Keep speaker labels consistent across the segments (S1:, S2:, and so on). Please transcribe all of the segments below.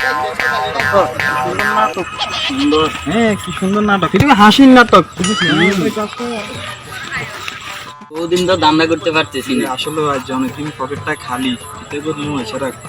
S1: নাটক সুন্দর, হ্যাঁ কি সুন্দর নাটক, এটা হাসির নাটক।
S2: ওদিন তো দান্না করতে পারতেছি না
S1: আসলে আজ অনেকদিন পকেটটা খালি, এতে করে মনে হচ্ছে খারাপ।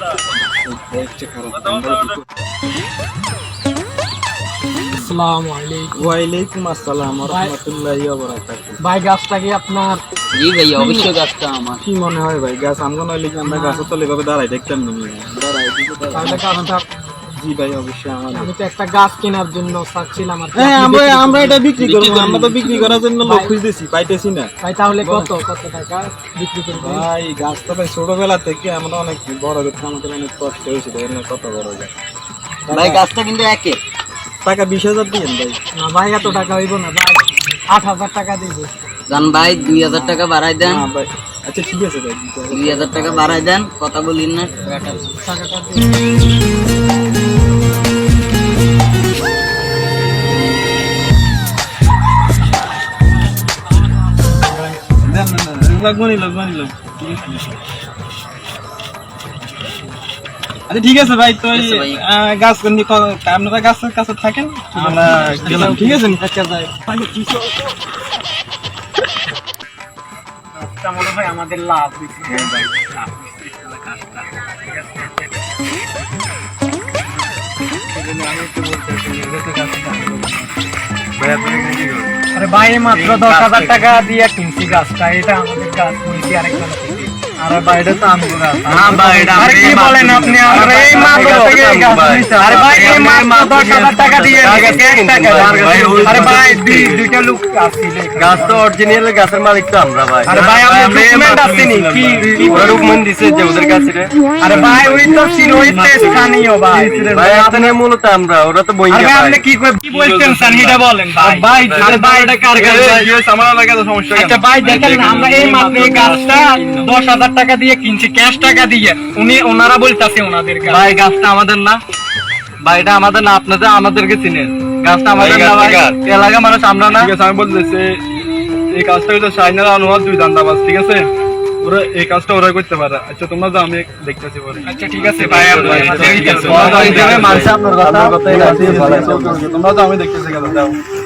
S3: আসসালামু আলাইকুম।
S1: ওয়ালাইকুম আসসালাম ওয়া রাহমাতুল্লাহি ওয়া বারাকাতুহু।
S3: ভাই গাছটা কি আপনার?
S2: জি ভাই, অবশ্যই গাছটা আমার।
S1: কি মনে হয় ভাই, গাছ আমগো নইলে কি আমরা গাছের তলে এভাবে দাঁড়াই দেখতাম না?
S3: তাহলে গাছটা
S1: জি ভাই অবশ্যই আমার।
S3: আমি তো একটা গাছ কেনার জন্য চাচ্ছিলাম আর কি।
S1: হ্যাঁ আমরা এটা বিক্রি করব, আমরা তো বিক্রি করার জন্য লোক খুঁজতেছি, পাইতেছি না
S3: ভাই তাহলে কত টাকা বিক্রি করবেন?
S1: ভাই গাছ তো ভাই ছোটবেলা থেকে আমরা অনেক বড় করতে আমাদের অনেক কষ্ট হয়েছে, দেখেন কত বড় গাছ।
S2: ভাই গাছটা কিন্তু একে
S1: টাকা 20,000 দিয়েন ভাই।
S3: না ভাই এত টাকা হইব না ভাই, 8,000 টাকা দিব।
S2: জান ভাই 2000 টাকা বাড়াই দেন।
S1: না ভাই আচ্ছা ঠিক আছে ভাই,
S2: 2000 টাকা বাড়াই দেন, কথা বলিন না।
S3: টাকাটা দিন।
S1: লাগবানি আচ্ছা ঠিক আছে ভাই। তো গাছ আপনারা গাছের কাছে থাকেন, আমরা গেলাম, ঠিক আছে?
S3: মনে হয় আমাদের লাভ আরে ভাই মাত্র 10,000 টাকা দিয়ে কিনছি গাছটা, এটা আমাদের গাছ কিনছি আরেকজন থেকে। আরে ভাই এটা তো আমগো গাছ। হ্যাঁ ভাই এটা আরে কি বলেন আপনি? আমরা এই মাত্র থেকে গাছ কিনছি। আরে ভাই এই মাত্র 10,000 টাকা দিয়ে আরে ভাই দুইটা লোক আসছিল,
S4: গাছ তো অরিজিনাল গাছের মালিক তো আমরা ভাই।
S3: আরে ভাই আপনি ডকুমেন্ট আসেনি কি
S4: ওরা ডকুমেন্ট দিছে যে ওদের কাছে রে।
S3: আরে ভাই ওই তো ছিল ওই তো স্থানীয় ভাই।
S4: ভাই এখানে মূলত আমরা, ওরা তো বইঙ্গা
S3: আরে ভাই
S4: ভাই।
S3: আপনি কি বলছেন স্যার বলেন ভাই। ভাই আরে ভাই এটা কার গাছ ভাই?
S4: আমার লাগাতে সমস্যা কেন?
S3: আচ্ছা ভাই দেখেন না, আমরা এই মাত্র এই গাছটা 10,000 টাকা দিয়ে কিনছি, ক্যাশ টাকা দিয়ে। ওনারা বলতাছে ওনাদের গাছ।
S4: ভাই গাছটা আমাদের না ভাই, এটা আমাদের না, আপনাদের আমাদেরকে চিনেন। গাছটা আমাদের না ভাই, এলাকা মানুষ আমরা না। ঠিক আছে আমি বলতেছি এই কাজটা হচ্ছে সাইনার অনুবাদ দুই দান্দাবাজ, ঠিক আছে? ওরা এই কাজটা ওরা করতে পারে। আচ্ছা তোমরা যাও, আমি দেখতেছি পরে।
S3: আচ্ছা ঠিক আছে ভাই, আমরা
S4: মানুষ আপনার কথা, তোমরা যাও আমি দেখতেছি।